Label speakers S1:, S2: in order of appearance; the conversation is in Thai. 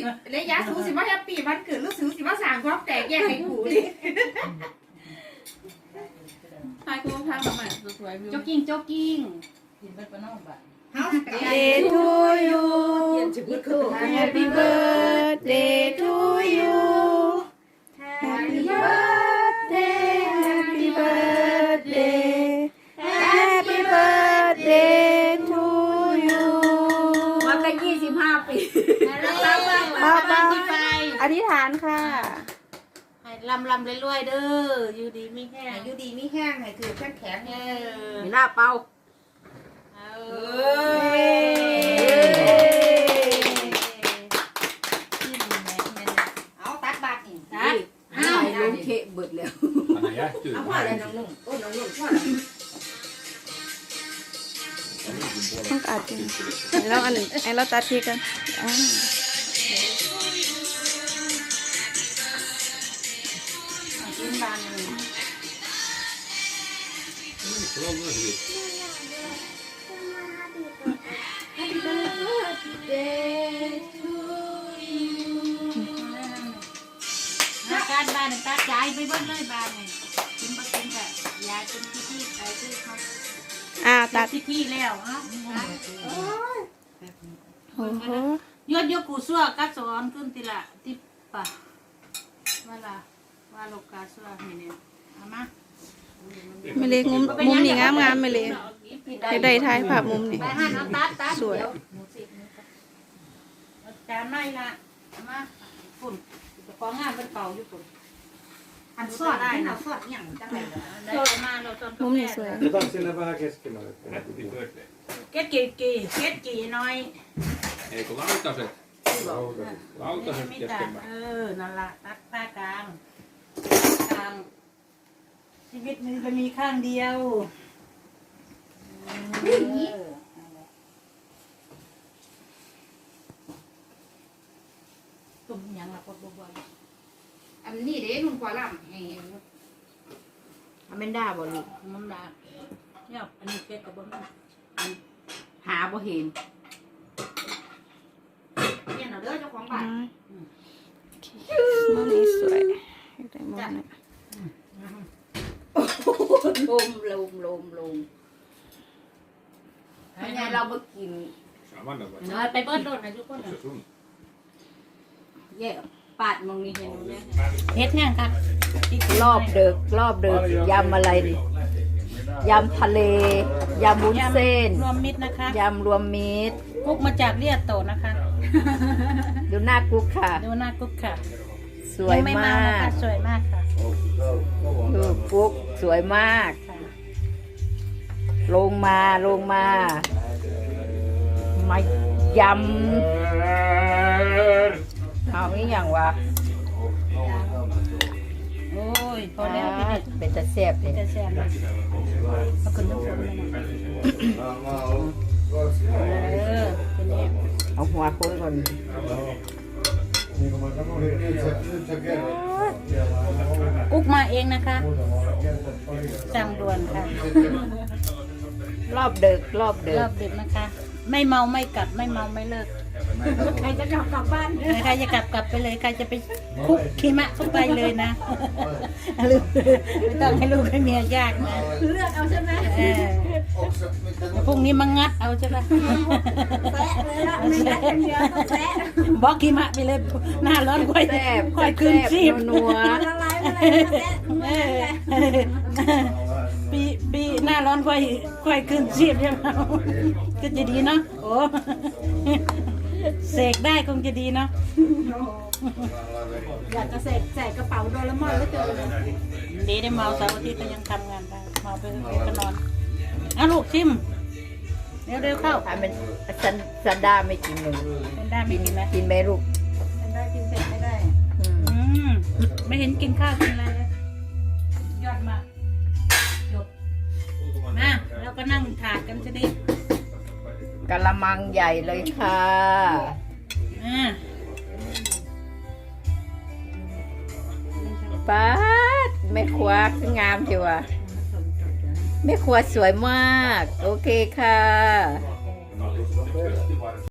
S1: เลยยาสูสิว่าแฮปปี้วันเกิดลูกสูสิว่าสั่งความแตกแยกให้กูดิ
S2: ทายคุณทางสมัยสวยๆ
S1: โจ๊กกิ้งโจ๊กกิ้ง
S2: กินเป็นปนอกบ้าน
S3: Day to you Happy birthday to you Happy birthday Happy birthday Happy birthday to you
S1: มาตั้ง25 ปี
S3: ป้าอธิษฐานค่ะ
S2: ให้ลำรวยๆเด้ออยู่ดีมีแห้ง
S1: อยู่ดีไม่แห้งให้ถือแข็งแข็ง
S2: มีหน้าเป่า
S1: เอาตัดบาทนี่
S2: นะอ้าวลงเคเบิดแล้ว
S4: อันไหนอะจืด
S1: เอาพ่อ
S4: มาก
S1: เลยน้องนุ่มโอ้น้องนุ่มพ่อเลย
S3: ต้องอัดจริงแล้วอันไอ้เราตัดทีกัน
S2: กินบานเลย การบ้านตัดยายไปเบิ้ลเลยบ้านนี่กินบ่กินแต่ยายเป็นที่ไปที่เขา
S3: ตัด
S2: ที่แล้วเนาะ
S3: โอ้โห
S2: ยกกูซัวกัดสอนขึ้นทีละที่ป่ะว่าโลกาซัวเนี่ยเอามา
S3: ไม่เล็กมุมนี่งามไม่เล็กได้ถ่ายภาพมุมนี่
S2: ไปหันเอาตัด
S3: สวย
S2: จานไม่ละเอามาฝุ่นของงานเป็นเป่าอยู่ฝุ่น
S1: อันสอดได้นะสอดอย่างจังไรเลย
S2: ได้มาเราตอน
S3: มุมนี่สวย
S5: Otan vähän keskimmälle.
S4: Happy birthday.
S2: เก็ดกี่น้อย
S4: Eikö lautaset? Lautaset
S2: ไม่
S4: kesken.
S2: นั่นละตัดผ้ากลางชีวิตมันจะมีข้างเดียวตุ่มยังละปดบัว
S1: อันนี้เด้นุ่มกว่าลำให้
S2: มันเป็นด่าบ่ลูกมันด่าเนี่ยอันนี้เป็ดกับบ่หาบ่เห็น
S1: เนี่ยเด้อเจ้าของบ้าน
S3: มุมนี้สวยได้มุมนี้
S2: ลมเป็นไงเรามากิน
S4: Samana vai.
S2: ไปเบิ้ลโดดนะทุกคน
S4: Se sun.
S2: แย่ปาดมองนี่เห็นไหมเฮ็ดแห้งครับ
S6: รอบดึกยำอะไรดิยำทะเลยำวุ้นเส้น
S2: รวมมิตรนะคะ
S6: ยำรวมมิตร
S2: กุ๊กมาจากเลียดโตนะคะ
S6: ดูหน้ากุ๊กค่ะ
S2: ดูหน้ากุ๊กค่ะ
S6: สวย
S2: ไม่
S6: มาก
S2: นะคะสวยมากค่ะ
S6: ดูกุ๊กสวยมาก ลงมายำเอาอีกอย่างวะ
S2: โอ้ยพอแล้วพี่เด็ด
S6: เป็นตะแซ่บเลย
S2: จะแซ่บเลยเอาขึ้นน้ำฝนเลยนะเป็นเอง
S6: เอาหัวคนก่อน
S2: กุ๊กมาเองนะคะสั่งด่วนค่ะ
S6: รอบดึก
S2: รอบดึกนะคะ ไม่เมาไม่กลับไม่เมาไม่เลิก
S1: ใครจะกลับบ้าน
S2: ใครจะกลับไปเลยใครจะไปคุกขี้มะเข้าไปเลยนะลูกไม่ต้องให้ลูกให้เมียยากนะ
S1: เลือกเอาใช่ไหม
S2: พรุ่งนี้มางัดเอาใช่ไหม
S1: แปะเลยละไม่ได้อย่างเดียวต้องแปะ
S2: บอกขี้มะไปเลยหน้าร้อนค่อย
S6: แซ่บ
S2: ค่อยคืนชีพ
S6: นัว
S1: ละลายไปเลยแปะ
S2: ปีหน้าร้อนค่อยคืนชีพใช่ไหมก็จะดีเนาะโอ้เสกได้คงจะดีเนาะ
S1: อยากจะใส่กระเป๋าโดเรมอนแล้วเจอเลย
S2: ดีได้เมาเสาร์อาทิตย์ก็ยังทำงานได้เมาไปก็นอนอ่ะลูกชิมเร็วเข้า
S6: ถ้าเป็นซันดาไม่กินเลย
S2: เป็นได้ไม่กินไหม
S6: กินไหมลูก
S1: เป็นได้กินเสร็จไม่ได้
S2: ไม่เห็นกินข้าวกินอะไรเลยยอดมากจบมาแล้วก็นั่งถาดกันจะได้
S6: กะละมังใหญ่เลยค่ะ ป๊าดแม่ครัวงามจิวะแม่ครัวสวยมาก โอเคค่ะ